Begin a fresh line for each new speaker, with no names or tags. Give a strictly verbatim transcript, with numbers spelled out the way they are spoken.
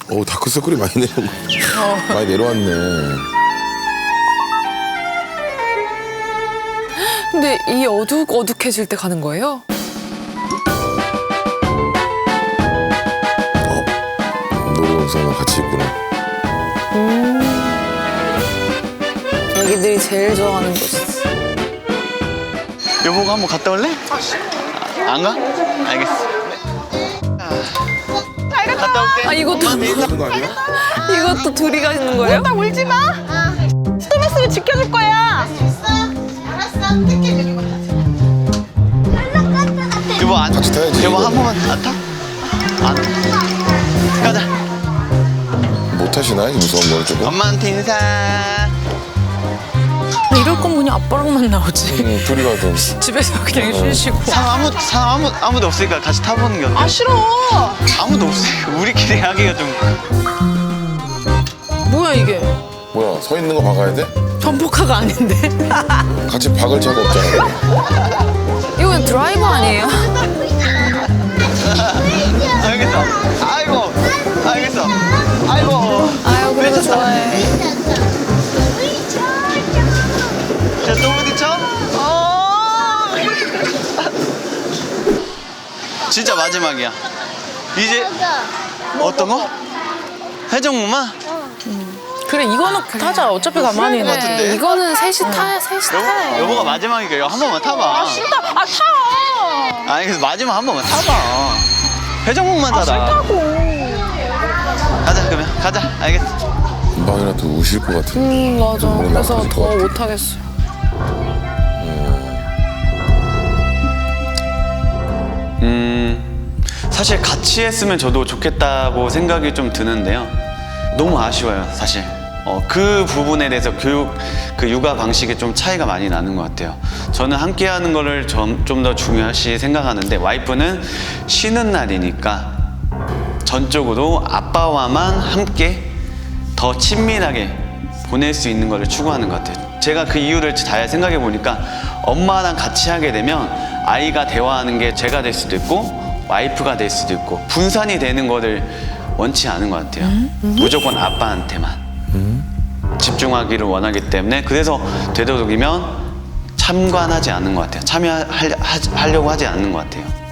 오, 다크서클이 많이 내려 어. 많이 내려왔네.
근데 이 어둑 어둑해질 때 가는 거예요?
어, 놀이동산은 같이 있구나.
음. 애기들이 제일 좋아하는 곳이지.
여보가 한번 갔다 올래? 아, 안 가? 알겠어. 아, 갔다 올게.
아 이것도
하는 거 아니야?
이것도 둘이 가는 거예요?
나 울지 마. 좀 있으면 지켜줄 거야.
여보 안
같이 타야지.
여보
이거.
한 번만 안 타? 안 타. 가자.
못 타시나? 이 무서운 걸 조금?
엄마한테 인사.
이럴 거면 그냥 아빠랑만 나오지.
응, 둘이 가든.
집에서 그냥 쉬시고.
상 아무 상 아무 아무도 없으니까 같이 타보는 게 어때?
아 싫어.
아무도 없으니까 우리끼리 하기가 좀.
뭐야 이게?
뭐야, 서 있는 거 박아야 돼?
전복화가 아닌데?
같이 박을 차가 없잖아.
이건 드라이버 아니에요?
알겠어. 아이고. 알겠어. 아이고.
아유 그래도 좋아해.
자, 또 부딪혀? 어. 진짜 마지막이야. 이제 어떤 거? 해적무마?
그래 이거는 타자. 어차피 가만히
것 같은데?
이거는 셋이 타, 셋이 타요.
여보, 여보가 마지막이니까 이거 한 번만 타봐.
아 싫다. 아 타.
아니 그래서 마지막 한 번만 타봐. 해적목만
아
타라.
싫다고.
가자 그러면 가자. 알겠어.
금방이라도 우실 것 같은데.
음 맞아.
오늘
그래서
나빠질 것
더
같아.
못하겠어.
음 사실 같이 했으면 저도 좋겠다고 생각이 좀 드는데요. 너무 아쉬워요 사실. 어, 그 부분에 대해서 교육 그 육아 방식에 좀 차이가 많이 나는 것 같아요. 저는 함께 하는 거를 좀 더 중요시 생각하는데 와이프는 쉬는 날이니까 전적으로 아빠와만 함께 더 친밀하게 보낼 수 있는 거를 추구하는 것 같아요. 제가 그 이유를 잘 생각해 보니까 엄마랑 같이 하게 되면 아이가 대화하는 게 제가 될 수도 있고 와이프가 될 수도 있고 분산이 되는 거를 원치 않은 것 같아요. 음? 음? 무조건 아빠한테만 음? 집중하기를 원하기 때문에 그래서 되도록이면 참관하지 않는 것 같아요. 참여하려고 하지 않는 것 같아요.